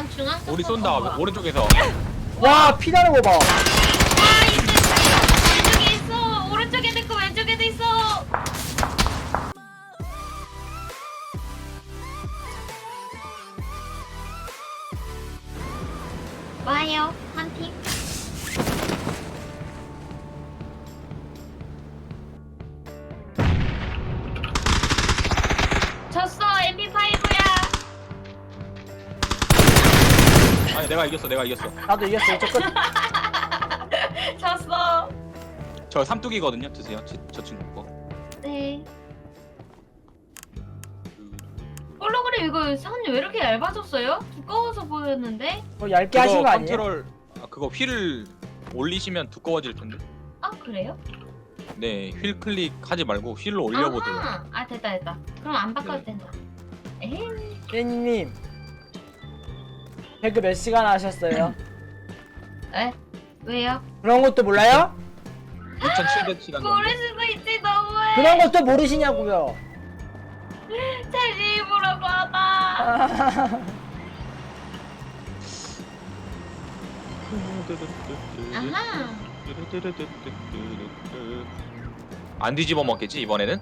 원 중앙 쪽. 우리 쏜다. 오른쪽에서. 와 피나는 거 봐. 와 왼쪽에 있어. 오른쪽에도 있고 왼쪽에도 있어. 와요 한 팀. 졌어 MP5야. 아니 내가 이겼어. 나도 이겼어. 이쪽 끝. 졌어. 저 삼뚝이거든요. 드세요. 저 친구 거. 네. 홀로그램 이거 선이 왜 이렇게 얇아졌어요? 두꺼워서 보였는데? 얇게 하신 거 아니에요? 컨트롤 그거 휠 올리시면 두꺼워질 텐데. 아 그래요? 네, 휠 클릭하지 말고 휠로 올려보세요. 아하. 아 됐다. 그럼 안 바꿔도 네. 된다. 에이. 님 배그 몇 시간 하셨어요? 에? 왜요? 그런 것도 몰라요? 2,700시간 모를 정도. 수도 있지 너무해. 그런 것도 모르시냐고요? 잘 입으라고 하다. 아하. 안 뒤집어 먹겠지 이번에는?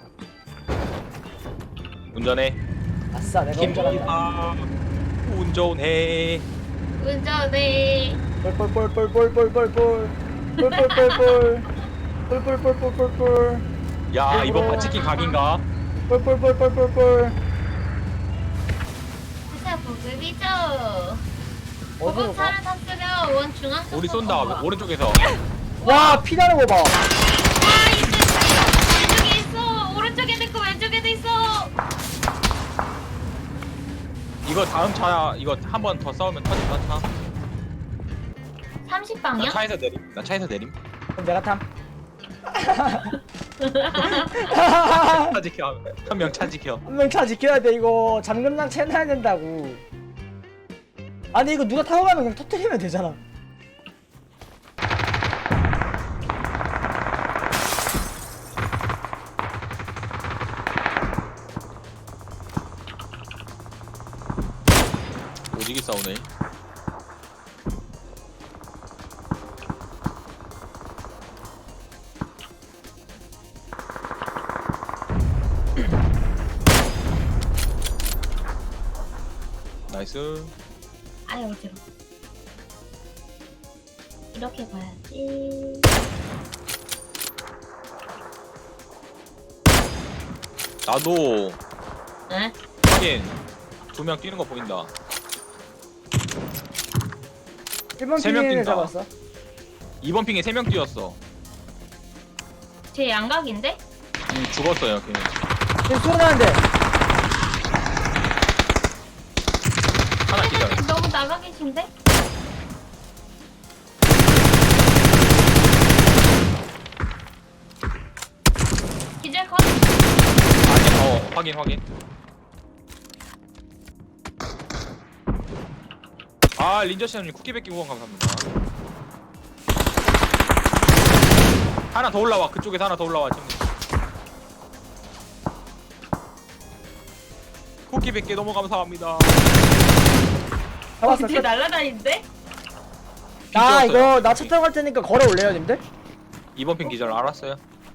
운전해. 아싸 내가 운전한다. 운전해. 운전해. 뻘뻘뻘뻘뻘뻘뻘뻘 뻘뻘뻘뻘 뻘뻘뻘뻘뻘뻘 야 이번 바치킨 각인가? 뻘뻘뻘뻘뻘뻘 진짜 보급이죠. 어디로 가? 보급차를 탔으면 원 중앙 쪽. 우리 쏜다. 오른쪽에서. 와 피나는 거 봐. 와 왼쪽에 있어. 오른쪽에도 있고 왼쪽에도 있어. 이거 다음 차 이거 한 번 더 싸우면 터진다 차. 30방이요? 나 차에서 내림. 그럼 내가 탐. 차 지켜. 한 명 차 지켜. 한 명 차 지켜야 돼. 이거 잠금장 채놔야 된다고. 아니 이거 누가 타고 가면 그냥 터뜨리면 되잖아. 오지게 싸우네. 나이스. 아유 어지러. 이렇게 봐야지. 나도 에? 하긴 2명 뛰는 거 보인다. 1번 세명 핑을 뛴다. 잡았어. 2번 핑에 3명 뛰었어. 제 양각인데? 죽었어요 걔는. 지금 소리 나는데. 하나 기절. 선생님 너무 나가 계신데? 기절 컷. 아니 확인. 아 린저씨님 쿠키 뺏기 후원 감사합니다. 하나 더 올라와. 그쪽에서 하나 더 올라와 지금. 쿠키 100개 너무 감사합니다. 잡았어. 어떻게 날라다니는데? 나 삐뚤었어요. 이거 나 차 타고 갈 테니까 걸어 올래요, 님들? 2번 핑 기절 알았어요.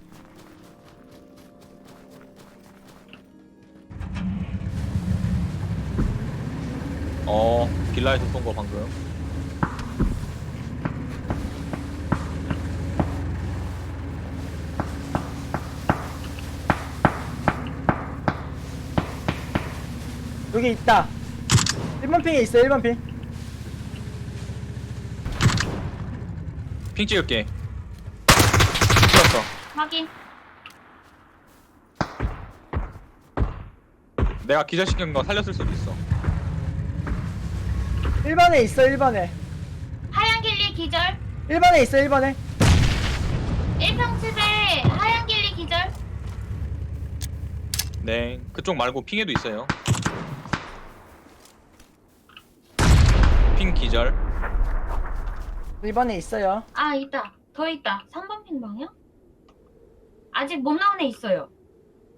빌라에서 쏜 거 방금. 여기 있다. 1번 핑에 있어, 1번 핑. 핑 찍을게. 찍었어. 확인. 내가 기절시킨 거 살렸을 수도 있어. 1번에 있어, 1번에. 하얀 길리 기절. 1번에 있어, 1번에. 1평집에 하얀 길리 기절. 네, 그쪽 말고 핑에도 있어요. 핑 기절. 1번에 있어요. 아 있다. 더 있다. 3번 핀 방향? 아직 못 나온 애 있어요.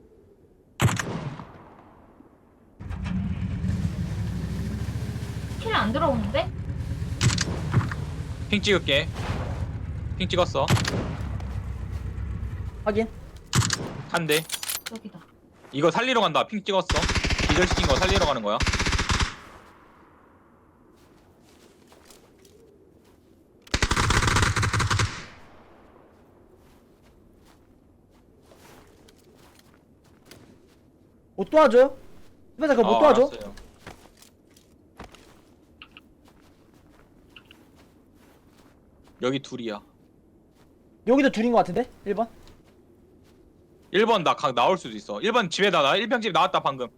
킬 안 들어오는데? 핑 찍을게. 핑 찍었어. 확인. 한 대. 여기다. 이거 살리러 간다. 핑 찍었어. 기절시킨 거 살리러 가는 거야. 못 도와줘요? 회사 그거 못 도와줘? 알았어요. 여기 둘이야. 여기도 둘인 것 같은데? 1번? 1번 나 나올 수도 있어. 1번 집에다 나 1평 집 나왔다 방금.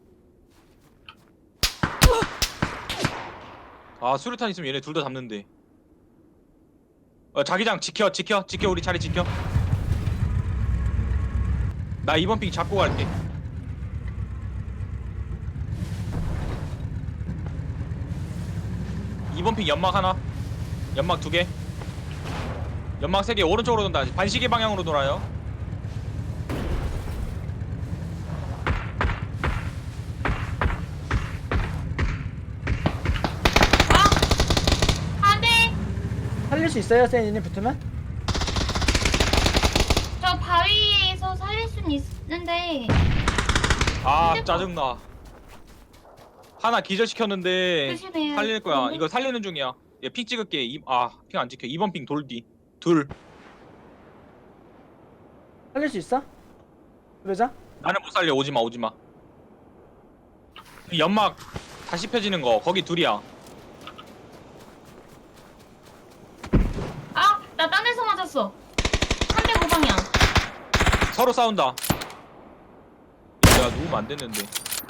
아 수류탄 있으면 얘네 둘 다 잡는데. 자기장 지켜 우리 자리 지켜. 나 2번 핑 잡고 갈게. 이번 핑 연막 하나, 연막 2개, 연막 3개. 오른쪽으로 돈다. 반시계 방향으로 돌아요. 안 돼! 살릴 수 있어요? 세인님 붙으면? 저 바위에서 살릴 순 있는데. 아 근데 짜증나. 하나 기절시켰는데 조심해요. 살릴 거야. 이거 살리는 중이야. 얘 핑 찍을게. 핑 안 찍혀. 2번 핑 돌디. 둘. 살릴 수 있어? 그러자? 나는 못 살려. 오지마. 연막 다시 펴지는 거 거기 둘이야. 아! 나 딴 데서 맞았어. 305방향. 서로 싸운다. 야 누우면 안 됐는데.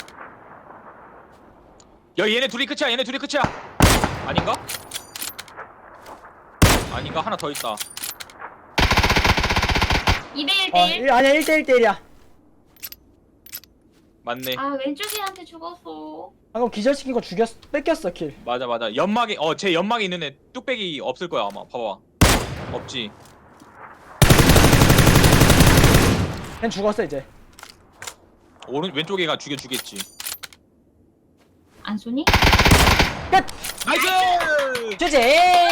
야 얘네 둘이 끝이야. 아닌가? 아닌가? 하나 더 있다. 2대1대1. 아니야 1대1대1이야. 맞네. 아, 왼쪽이한테 죽었어. 방금 기절시킨 거 뺏겼어 킬. 맞아. 연막에 제 연막에 있는 애 뚝배기 없을 거야 아마. 봐봐. 없지. 걘 죽었어 이제. 왼쪽 애가 죽여주겠지. 안 쏘니? 끝! 나이스! 주제!